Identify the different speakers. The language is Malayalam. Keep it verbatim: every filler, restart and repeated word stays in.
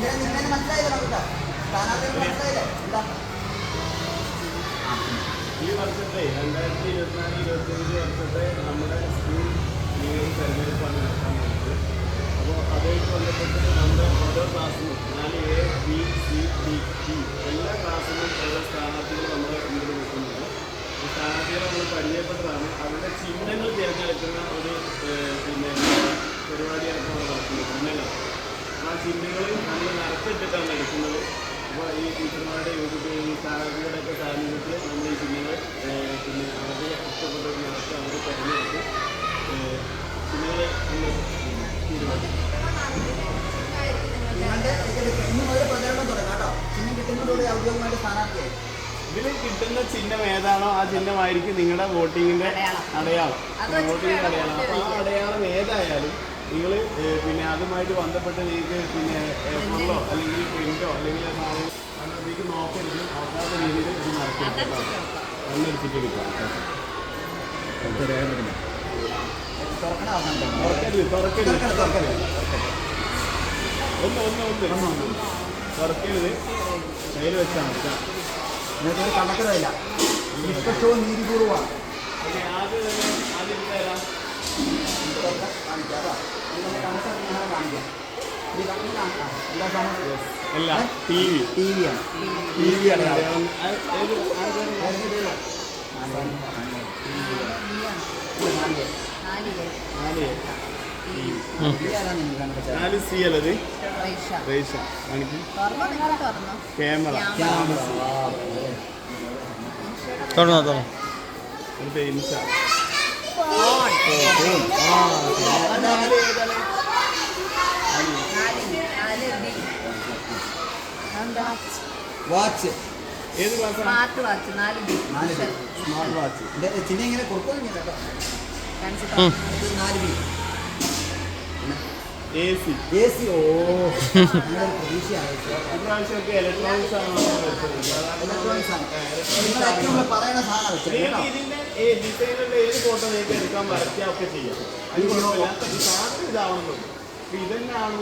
Speaker 1: ഈ വർഷത്തെ രണ്ടായിരത്തി ഇരുപത്തിനാല് ഇരുപത്തിയഞ്ച് വർഷത്തെ നമ്മുടെ സ്കൂൾ ലീഗൽ തെരഞ്ഞെടുപ്പാണ് നടക്കാൻ പോകുന്നത്. അപ്പോൾ അതുമായിട്ട് ബന്ധപ്പെട്ട് നമ്മുടെ ഓരോ ക്ലാസ്സിലും നാല് A B C D E എല്ലാ ക്ലാസ്സിലും ഓരോ സ്ഥാനാർത്ഥികൾ നമ്മുടെ മുന്നിൽ നിൽക്കുന്നുണ്ട്. ഈ സ്ഥാനാർത്ഥികളെ നമ്മൾ പരിചയപ്പെട്ടതാണ്. അവരുടെ ചിഹ്നങ്ങൾ തിരഞ്ഞെടുക്കുന്ന ഒരു പിന്നെ പരിപാടിയാണ് നമ്മൾ നടത്തുന്നത്. ചിഹ്നങ്ങൾ ആ ചിഹ്നങ്ങൾ നമ്മൾ നടത്തിയിട്ടിട്ടാണ് എടുക്കുന്നത്. അപ്പോൾ ഈ ടീച്ചർമാരുടെ യൂട്യൂബ് ഈ സ്ഥാനാർത്ഥികളുടെയൊക്കെ സാന്നിധ്യത്തിൽ നമ്മൾ ഈ ചിഹ്നങ്ങൾ പിന്നെ അവരുടെ ഇഷ്ടപ്പെട്ടവർ നടത്തി അവർ തിരഞ്ഞെടുത്ത് ചിഹ്നങ്ങളെ നമ്മൾ തീരുമാനിക്കും. ഇതിൽ കിട്ടുന്ന ചിഹ്നം ഏതാണോ ആ ചിഹ്നമായിരിക്കും നിങ്ങളുടെ വോട്ടിങ്ങിൻ്റെ അടയാളം. വോട്ടിങ്ങിൻ്റെ അടയാളം. അപ്പോൾ ആ അടയാളം ഏതായാലും നിങ്ങൾ പിന്നെ അതുമായിട്ട് ബന്ധപ്പെട്ട് നിങ്ങൾക്ക് പിന്നെ ഫുള്ളോ അല്ലെങ്കിൽ പ്രിൻ്റോ അല്ലെങ്കിൽ അതിലേക്ക് നോക്കരുത്. നോക്കാത്ത രീതിയിൽ ഇത് നടത്തിയെടുക്കാം. കണ്ണെടുത്തിട്ടെടുക്കാം. തുറക്കരുത് തുറക്കരുത് തുറക്കരുത് ഒന്ന് ഒന്ന് ഒന്ന് ഒന്ന് തുറക്കരുത്. കയ്യിൽ വെച്ചാൽ മതി.
Speaker 2: നിങ്ങൾക്ക് കണക്കില്ല. നിഷ്പക്ഷവും നീതിപൂർവമാണ്.
Speaker 1: ആദ്യം തന്നെ ആദ്യം തരാം. അല്ല ടി വി
Speaker 2: ടി വിയാണ്.
Speaker 1: ടി വി ആണ്. നാല് സി അല്ലത് റേഷ കാണിക്കും. ക്യാമറ
Speaker 3: തുറന്നോ തുറന്നോ
Speaker 1: അടുത്ത ഇൻസ
Speaker 2: വാച്ച്.
Speaker 1: ഏത് ക്ലാസ്?
Speaker 4: Smart watch. നാല് ബി
Speaker 1: സ്മാർട്ട് വാച്ച്.
Speaker 2: ചിഹ്നം ഇങ്ങനെ കൊടുക്കുന്നു കേട്ടോ. നാല് B
Speaker 1: A C
Speaker 2: A C. ഓ പ്രതീക്ഷയാണ്.
Speaker 1: ഇപ്രാവശ്യമൊക്കെ ഇലക്ട്രോണിക്സ് ആണ്
Speaker 2: ഇലക്ട്രോണിക്സ് ആണ്. പറയുന്ന സാധനം
Speaker 1: ഇതിന്റെ ഡിസൈനിന്റെ ഏത് ഫോട്ടോ നിങ്ങൾക്ക് എടുക്കാൻ വരയ്ക്കുക ഒക്കെ ചെയ്യാം. അത് കുഴപ്പമില്ല. സാധനം ഇതാവണമെന്നുള്ളൂ. ഇതന്നെ ആണ്